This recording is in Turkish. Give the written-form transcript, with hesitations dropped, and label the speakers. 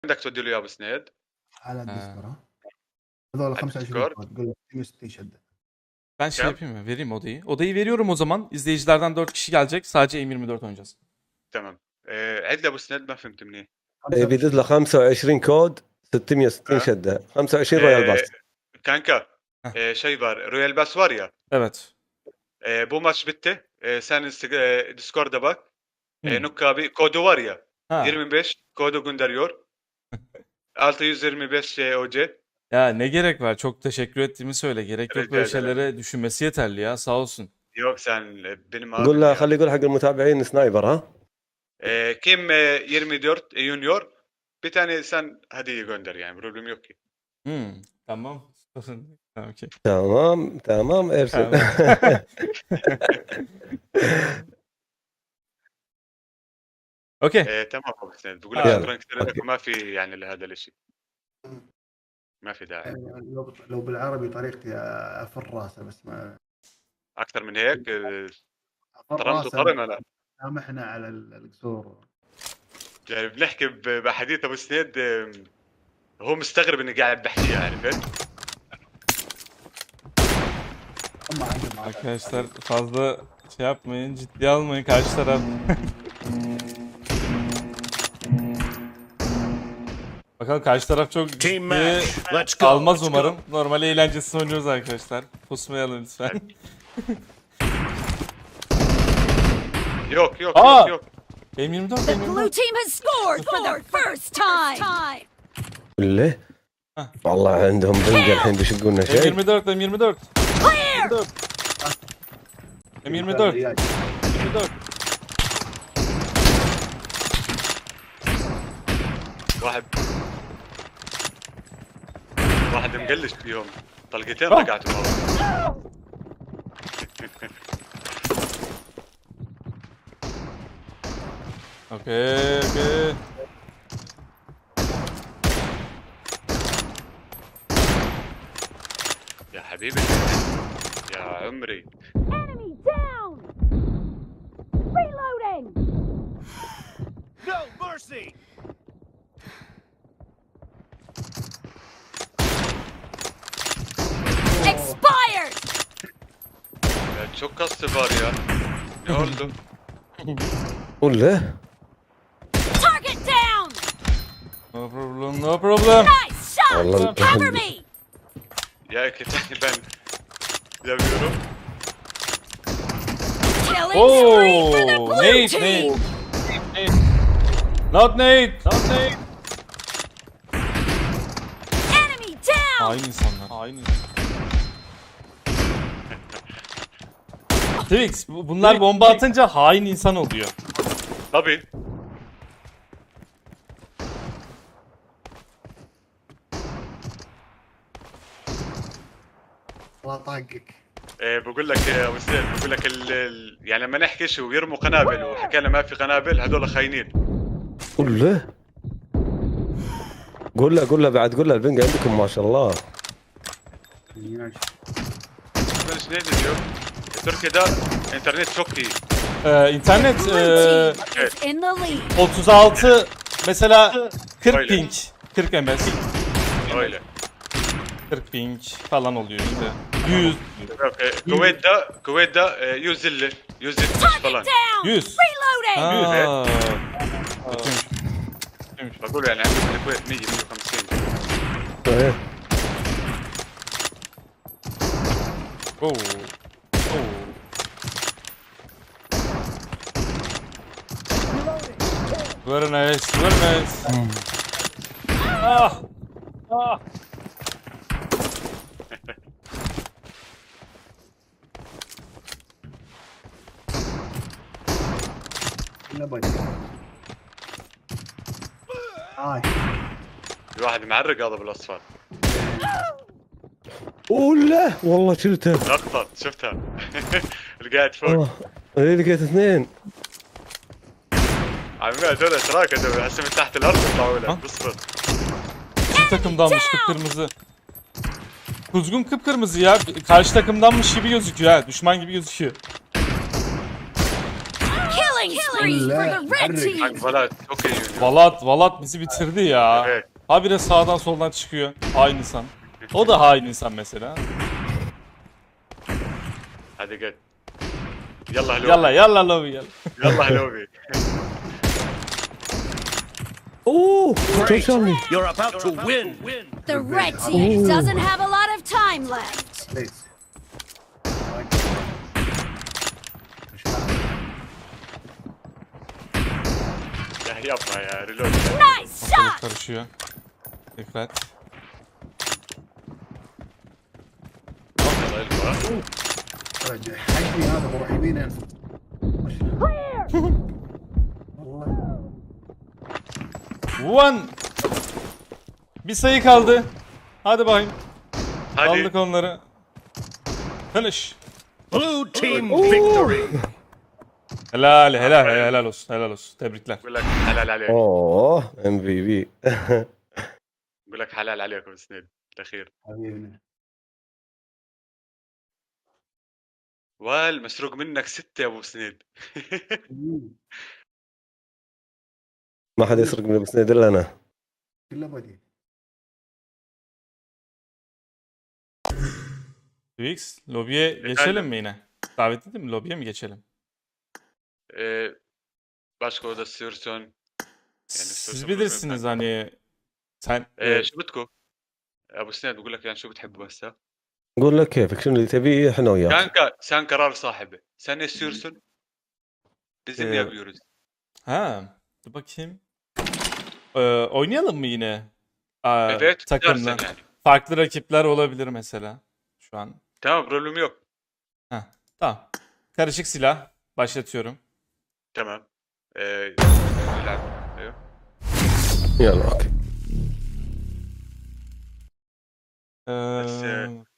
Speaker 1: بدك تودي له اياه ابو سنيد؟
Speaker 2: على الديسكورد ها. هذول 25
Speaker 1: Discord.
Speaker 2: كود قول له 260 şedde.
Speaker 3: Ben şey
Speaker 1: Kem?
Speaker 3: yapayım mı? Vereyim odayı. Odayı veriyorum o zaman. İzleyicilerden 4 kişi gelecek. Sadece M24 oynayacağız.
Speaker 1: تمام. عد لي ابو سنيد ما فهمت منيح.
Speaker 4: بيدز له 25 كود 660 شده 25 رويال باس.
Speaker 1: Kanka. Şey var. Royal Pass var ya.
Speaker 3: Evet.
Speaker 1: Bu maç bitti. Sen Discord'a bak.
Speaker 3: Hı.
Speaker 1: Nuk abi kodu var ya.
Speaker 3: Ha.
Speaker 1: 25 kodu gönderiyor. 625 OC.
Speaker 3: Ya ne gerek var? Çok teşekkür ettiğimi söyle. Gerek yok
Speaker 1: Rica
Speaker 3: böyle
Speaker 1: ederim.
Speaker 3: şeylere düşünmesi yeterli ya. Sağ olsun.
Speaker 1: Yok sen benim
Speaker 4: قول
Speaker 1: abim
Speaker 4: له
Speaker 1: ya.
Speaker 4: خليه يقول حق المتابعين سنايبر ها.
Speaker 1: Kim 24 Junior. Bir tane sen hediye gönder yani. Problem yok ki.
Speaker 3: Tamam. Tamam, okey.
Speaker 4: تمام تمام ارسل.
Speaker 3: Tamam. Okey.
Speaker 1: تمام ابو سنيد. بقول
Speaker 3: آه.
Speaker 1: لك شكرا كثير لك وما في يعني لهذا الشيء. ما في داعي.
Speaker 2: يعني لو بالعربي طريقتي افر راسه بس ما
Speaker 1: اكثر من هيك
Speaker 2: افر
Speaker 1: طرمت
Speaker 2: راسه.
Speaker 1: وطرم انا.
Speaker 2: سامحنا على القصور.
Speaker 1: يعني بنحكي بحديث ابو سنيد هو مستغرب اني قاعد بحكيها عرفت؟
Speaker 2: هم عندهم
Speaker 3: Arkadaşlar fazla şey yapmayın. Ciddiye almayın karşı taraf. Bakalım karşı taraf çok
Speaker 5: Team
Speaker 3: ciddiye
Speaker 5: match. Let's go.
Speaker 3: almaz
Speaker 5: let's
Speaker 3: umarım. Normal eğlencesini oynuyoruz arkadaşlar. Pusmayalım lütfen.
Speaker 1: yok yok
Speaker 3: Aa!
Speaker 1: yok yok.
Speaker 3: M24
Speaker 6: The blue
Speaker 3: M24.
Speaker 6: team has scored for the first time.
Speaker 4: بالله والله عندهم بنقة الحين بيشقوا لنا شيء.
Speaker 3: M24 M24.
Speaker 6: Clear.
Speaker 3: M24.
Speaker 2: رياج.
Speaker 3: M24.
Speaker 1: واحد مقلش فيهم طلقتين رقعتهم ورا.
Speaker 3: Okey.
Speaker 1: يا حبيبي يا عمري.
Speaker 6: Enemy down. Reloading.
Speaker 5: No mercy.
Speaker 6: Expired.
Speaker 1: Ya çok kastı var ya. Ne oldu?
Speaker 4: قول له
Speaker 6: Target down.
Speaker 3: No problem, no problem.
Speaker 6: Nice shot.
Speaker 4: والله
Speaker 6: Cover me.
Speaker 1: Ya iki tane ben yapıyorum.
Speaker 6: Killing spree for the
Speaker 3: Oh,
Speaker 6: blue
Speaker 3: Nate,
Speaker 6: team.
Speaker 3: Not Nate. Not Nate.
Speaker 6: Enemy down.
Speaker 3: Hain insanlar. Hain insanlar. Twix, bunlar bomba atınca hain insan oluyor.
Speaker 1: Tabii.
Speaker 2: الله طاقك.
Speaker 1: بقول لك يا ابو سيد بقول لك يعني لما نحكي شو ويرموا قنابل وحكينا ما في قنابل هذول خاينين.
Speaker 4: قول له قول له بعد قول له البنقة عندكم ما شاء الله.
Speaker 2: رياج.
Speaker 1: بلش نادي اليوم تركيا ده انترنت çok iyi.
Speaker 3: İnternet
Speaker 6: Blue team is in the lead.
Speaker 3: 36 mesela 40
Speaker 1: Öyle.
Speaker 3: ping, 40 ms,
Speaker 1: Öyle.
Speaker 3: 40 ping falan oluyor işte. 100,
Speaker 1: Kuveyt da 150 170 falan.
Speaker 6: Target down.
Speaker 3: 100.
Speaker 6: Reloading.
Speaker 3: Aa.
Speaker 1: بقول يعني عندنا الكويت 100 150.
Speaker 4: إيه.
Speaker 3: Oh. Very nice, very nice. Ah.
Speaker 2: لا باي. هاي.
Speaker 1: في واحد معرق هذا بالاصفر.
Speaker 4: قول له والله شلته.
Speaker 1: لقطة شفتها. اللي قاعد فوق.
Speaker 4: ايه لقيت اثنين.
Speaker 1: عمي هذول اشراك هذول هسه من تحت الارض يطلعوا لك اصبر.
Speaker 3: Bizim takımdanmış kıpkırmızı. Kuzgun kıpkırmızı ya. Karşı takımdanmış gibi gözüküyor ha. Düşman gibi gözüküyor.
Speaker 6: Killing spree Victory for the red
Speaker 2: Harry.
Speaker 6: team.
Speaker 1: Kanka valla çok iyi oynuyor.
Speaker 3: Valat bizi bitirdi ya.
Speaker 1: Evet.
Speaker 3: Habire sağdan soldan çıkıyor. Hain insan. O da hain insan mesela.
Speaker 1: Hadi gel. Yallah lobi.
Speaker 3: Yalla lobi yalla.
Speaker 1: Yallah lobi.
Speaker 4: اوه
Speaker 5: Great.
Speaker 4: شلوني
Speaker 5: You're about to win.
Speaker 6: The red team doesn't have a lot of time left.
Speaker 2: ليس
Speaker 1: Ya yapma ya. Reload.
Speaker 6: Nice
Speaker 3: Ortalık
Speaker 6: shot.
Speaker 3: karışıyor. Dikkat.
Speaker 1: Yallah elma.
Speaker 2: رجع حقي هذا بروح يمين انزل والله
Speaker 3: One. Bir sayı kaldı. Hadi bakayım.
Speaker 1: Hadi.
Speaker 3: Aldık onları. Finish.
Speaker 5: Blue team victory.
Speaker 3: Helal olsun. Tebrikler.
Speaker 1: بقول لك حلال عليك.
Speaker 4: اوه ام في بي
Speaker 1: بقول لك حلال عليك ابو سنيد الاخير.
Speaker 2: حبيبي
Speaker 1: والمسروق منك 6 يا ابو سنيد.
Speaker 4: ما حد يسرق من ابو سنيد الا انا
Speaker 2: كله بدي
Speaker 3: Twix, lobiye geçelim mi yine? Davet edeyim mi? Lobiye mi geçelim?
Speaker 1: başka oda istiyorsan.
Speaker 3: Siz bilirsiniz hani sen
Speaker 1: شو بدكم؟ ابو سنيد بقول لك يعني شو بتحبوا هسه؟
Speaker 4: قول لك كيفك شنو اللي تبيه احنا وياك
Speaker 1: Sen karar sahibi. Sen ne istiyorsun? Bizim
Speaker 3: Ee,
Speaker 1: yapıyoruz.
Speaker 3: ha dur bakayım. Oynayalım mı yine?
Speaker 1: Evet.
Speaker 3: Takımla.
Speaker 1: Dersen yani.
Speaker 3: Farklı rakipler olabilir mesela. Şu an.
Speaker 1: Tamam problem yok.
Speaker 3: Tamam. Karışık silah. Başlatıyorum.
Speaker 1: Tamam. نلعب. ايوه.
Speaker 4: يلا اوكي
Speaker 3: Ee,
Speaker 1: بس